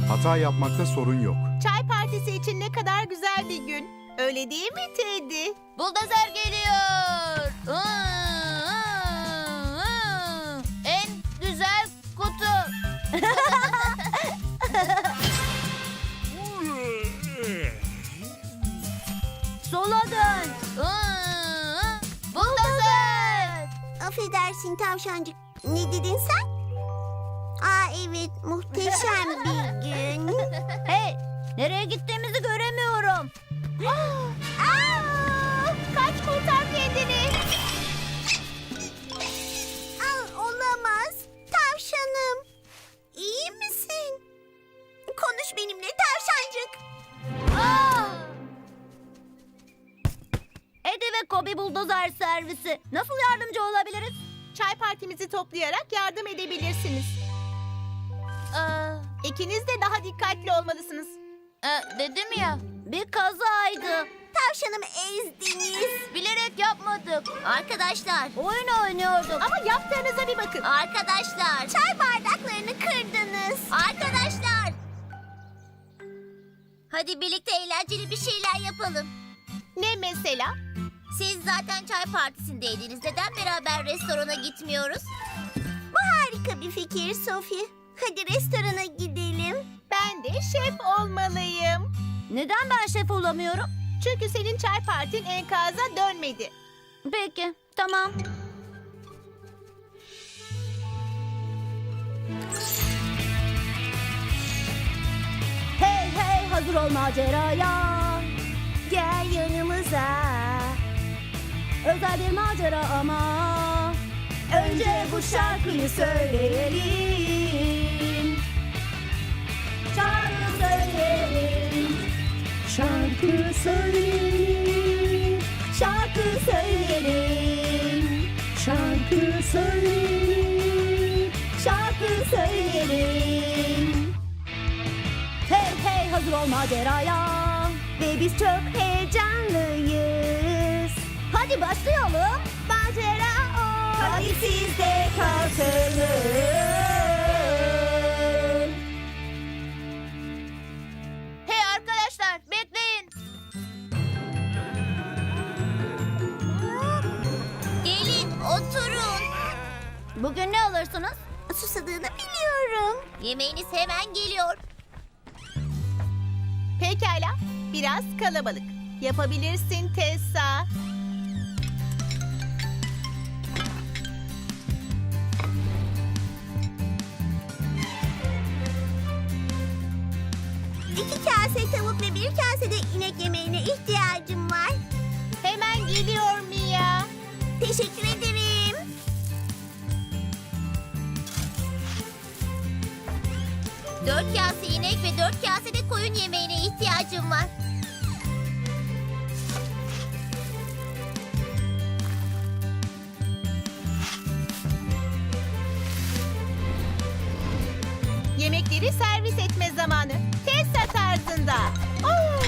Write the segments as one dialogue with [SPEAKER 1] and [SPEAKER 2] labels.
[SPEAKER 1] Hata yapmakta sorun yok.
[SPEAKER 2] Çay partisi için ne kadar güzel bir gün. Öyle değil mi Teddy?
[SPEAKER 3] Buldozer geliyor. En güzel kutu. Sola dön. Buldozer.
[SPEAKER 4] Affedersin tavşancık. Ne dedin sen? Aa evet, muhteşem bir gün.
[SPEAKER 3] Hey, nereye gittiğimizi göremiyorum.
[SPEAKER 2] Kaç, kurtar kendini.
[SPEAKER 4] Olamaz. Tavşanım. İyi misin? Konuş benimle tavşancık.
[SPEAKER 3] Eddie ve Kobe buldozer servisi. Nasıl yardımcı olabiliriz?
[SPEAKER 2] Çay partimizi toplayarak yardım edebilirsiniz. İkiniz de daha dikkatli olmalısınız.
[SPEAKER 3] Dedim ya, bir kazaydı.
[SPEAKER 4] Tavşanımı ezdiniz.
[SPEAKER 3] Bilerek yapmadık. Arkadaşlar. Oyun oynuyorduk.
[SPEAKER 2] Ama yaptığınıza bir bakın.
[SPEAKER 3] Arkadaşlar.
[SPEAKER 4] Çay bardaklarını kırdınız.
[SPEAKER 3] Arkadaşlar. Hadi birlikte eğlenceli bir şeyler yapalım.
[SPEAKER 2] Ne mesela?
[SPEAKER 3] Siz zaten çay partisindeydiniz. Neden beraber restorana gitmiyoruz?
[SPEAKER 4] Bu harika bir fikir Sophie. Hadi restorana gidelim.
[SPEAKER 2] Ben de şef olmalıyım.
[SPEAKER 3] Neden ben şef olamıyorum?
[SPEAKER 2] Çünkü senin çay partin enkaza dönmedi.
[SPEAKER 3] Peki, tamam. Hey hey, hazır ol maceraya.
[SPEAKER 4] Gel yanımıza.
[SPEAKER 3] Özel bir macera ama. Önce bu şarkıyı söyleyelim. Şarkı söyleyelim.
[SPEAKER 1] Şarkı söyleyelim,
[SPEAKER 3] Şarkı söyleyelim.
[SPEAKER 1] şarkı söyleyelim.
[SPEAKER 3] Şarkı söyleyelim. Hey hey, hazır ol maceraya. Ve biz çok heyecanlıyız. Hadi başlayalım. Macera o. Hadi siz de katılın. Hey arkadaşlar, bekleyin. Gelin, oturun. Bugün ne alırsınız?
[SPEAKER 4] Susadığını biliyorum.
[SPEAKER 3] Yemeğiniz hemen geliyor.
[SPEAKER 2] Pekala, biraz kalabalık. Yapabilirsin Tessa.
[SPEAKER 4] İki kase tavuk ve bir kase de inek yemeğine ihtiyacım var.
[SPEAKER 2] Hemen geliyor Mia.
[SPEAKER 4] Teşekkür ederim.
[SPEAKER 3] Dört kase inek ve 4 kase de koyun yemeğine ihtiyacım var.
[SPEAKER 2] Yemekleri servis etme zamanı. Tessa tarzında. Oo.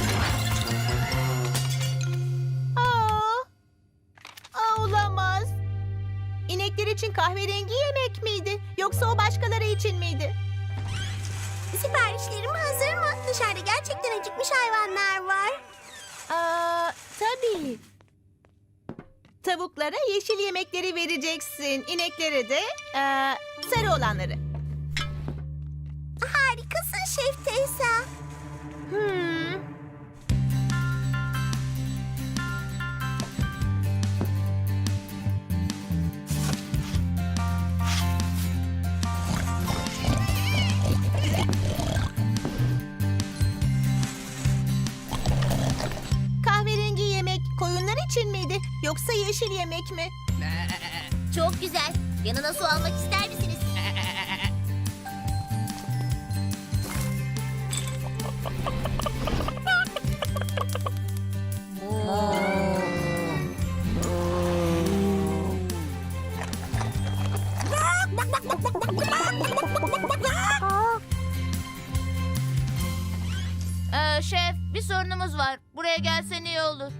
[SPEAKER 2] Olamaz. İnekler için kahverengi yemek miydi? Yoksa o başkaları için miydi?
[SPEAKER 4] Siparişlerim hazır mı? Dışarıda gerçekten acıkmış hayvanlar var.
[SPEAKER 2] Tabii. Tavuklara yeşil yemekleri vereceksin. İneklere de sarı olanları.
[SPEAKER 4] Harikasın Şef Teyze.
[SPEAKER 2] Kahverengi yemek koyunlar için miydi? Yoksa yeşil yemek mi?
[SPEAKER 3] Çok güzel. Yanına su almak ister misiniz? Şef, bir sorunumuz var. Buraya gelsen iyi olur.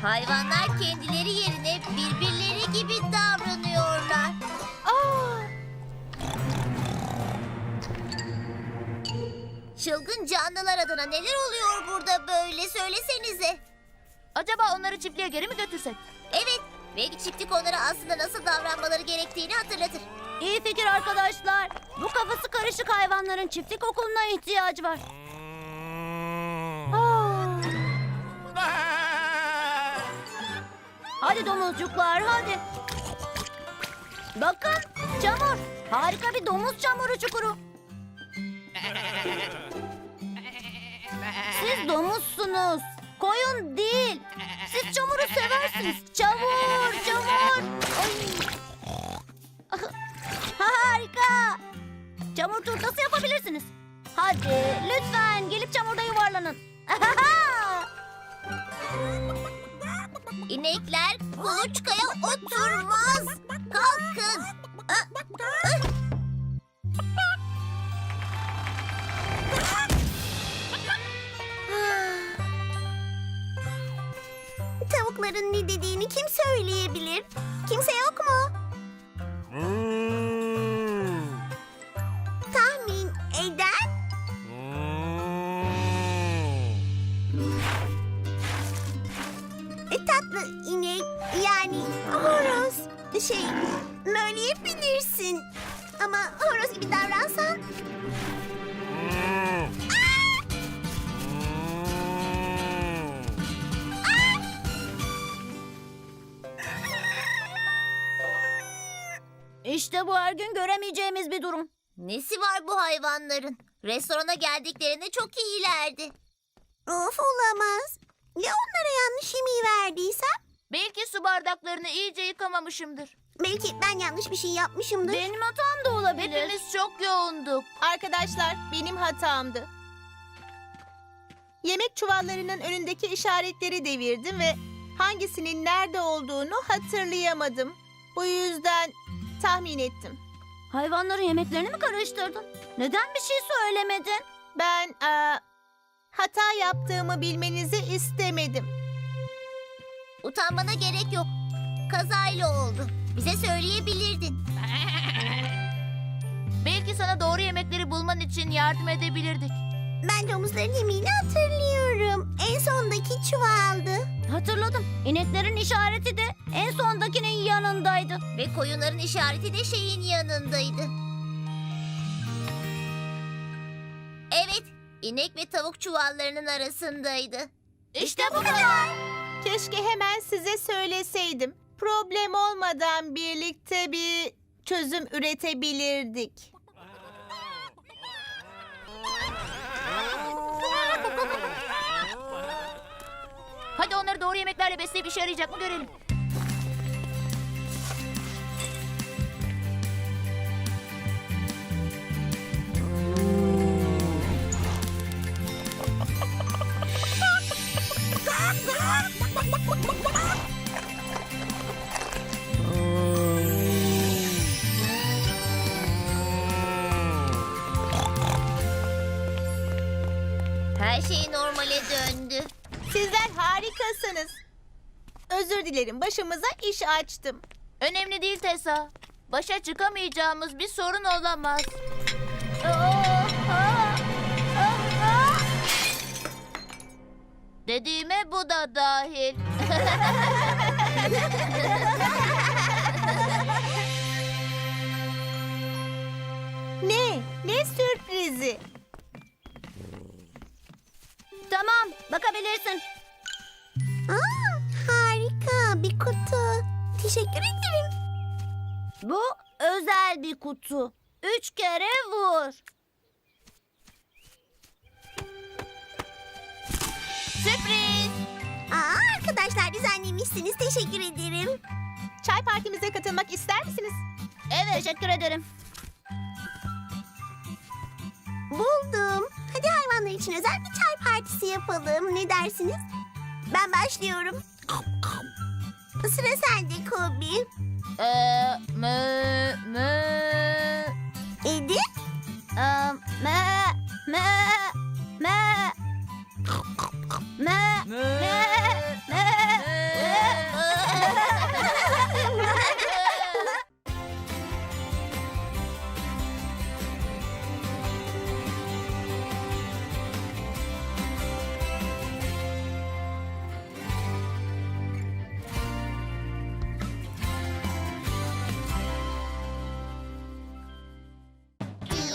[SPEAKER 3] Hayvanlar kendileri yerine birbirleri gibi davranıyorlar. Çılgın canlılar adına neler oluyor burada böyle söylesenize.
[SPEAKER 5] Acaba onları çiftliğe geri mi götürsek?
[SPEAKER 3] Evet, belki çiftlik onlara aslında nasıl davranmaları gerektiğini hatırlatır.
[SPEAKER 5] İyi fikir arkadaşlar. Bu kafası karışık hayvanların çiftlik okuluna ihtiyacı var. Hadi domuzcuklar hadi. Bakın çamur. Harika bir domuz çamuru çukuru. Siz domuzsunuz. Koyun değil. Siz çamuru seversiniz. Çamur, çamur. Ay. Harika. Çamur turtası yapabilirsiniz. Hadi lütfen gelip çamurda yuvarlanın.
[SPEAKER 3] İnekler kuluçkaya oturmaz. Kalkın.
[SPEAKER 4] Tavukların ne dediğini kim söyleyebilir? Kimse yok mu? Tahmin eden? Tatlı inek yani horoz. Möyleyebilirsin. Ama horoz gibi davransan.
[SPEAKER 5] İşte bu her gün göremeyeceğimiz bir durum.
[SPEAKER 3] Nesi var bu hayvanların? Restorana geldiklerinde çok iyilerdi.
[SPEAKER 4] Of olamaz. Ya onlara yanlış yemeği verdiysem?
[SPEAKER 5] Belki su bardaklarını iyice yıkamamışımdır.
[SPEAKER 4] Belki ben yanlış bir şey yapmışımdır.
[SPEAKER 5] Benim hatam da olabilir. Hepimiz çok yoğunduk.
[SPEAKER 2] Arkadaşlar, benim hatamdı. Yemek çuvallarının önündeki işaretleri devirdim ve hangisinin nerede olduğunu hatırlayamadım. Bu yüzden tahmin ettim.
[SPEAKER 5] Hayvanların yemeklerini mi karıştırdın? Neden bir şey söylemedin?
[SPEAKER 2] Ben hata yaptığımı bilmenizi istemedim.
[SPEAKER 3] Utanmana gerek yok. Kazayla oldu. Bize söyleyebilirdin.
[SPEAKER 5] Belki sana doğru yemekleri bulman için yardım edebilirdik.
[SPEAKER 4] Ben domuzların yemeğini hatırlıyorum. En sondaki çuvaldı.
[SPEAKER 5] Hatırladım. İneklerin işareti de en sondakinin yanındaydı.
[SPEAKER 3] Ve koyunların işareti de şeyin yanındaydı. Evet, inek ve tavuk çuvallarının arasındaydı.
[SPEAKER 5] İşte bu kadar.
[SPEAKER 2] Keşke hemen size söyleseydim. Problem olmadan birlikte bir çözüm üretebilirdik.
[SPEAKER 5] Hadi onları doğru yemeklerle besleyip işe yarayacak mı görelim.
[SPEAKER 3] Her şey normale döndü.
[SPEAKER 2] Sizler harikasınız. Özür dilerim, başımıza iş açtım.
[SPEAKER 5] Önemli değil Tessa. Başa çıkamayacağımız bir sorun olamaz. Dediğime bu da dahil.
[SPEAKER 2] Ne sürprizi.
[SPEAKER 5] Tamam, bakabilirsin.
[SPEAKER 4] Harika bir kutu. Teşekkür ederim.
[SPEAKER 5] Bu özel bir kutu. 3 kere vur. Sürpriz.
[SPEAKER 4] Arkadaşlar düzenlemişsiniz. Teşekkür ederim.
[SPEAKER 2] Çay partimize katılmak ister misiniz?
[SPEAKER 5] Evet, teşekkür ederim.
[SPEAKER 4] Buldum. Hadi hayvanlar için özel bir çay partisi yapalım. Ne dersiniz? Ben başlıyorum. Sıra sende Kobi. Edi?
[SPEAKER 5] Me.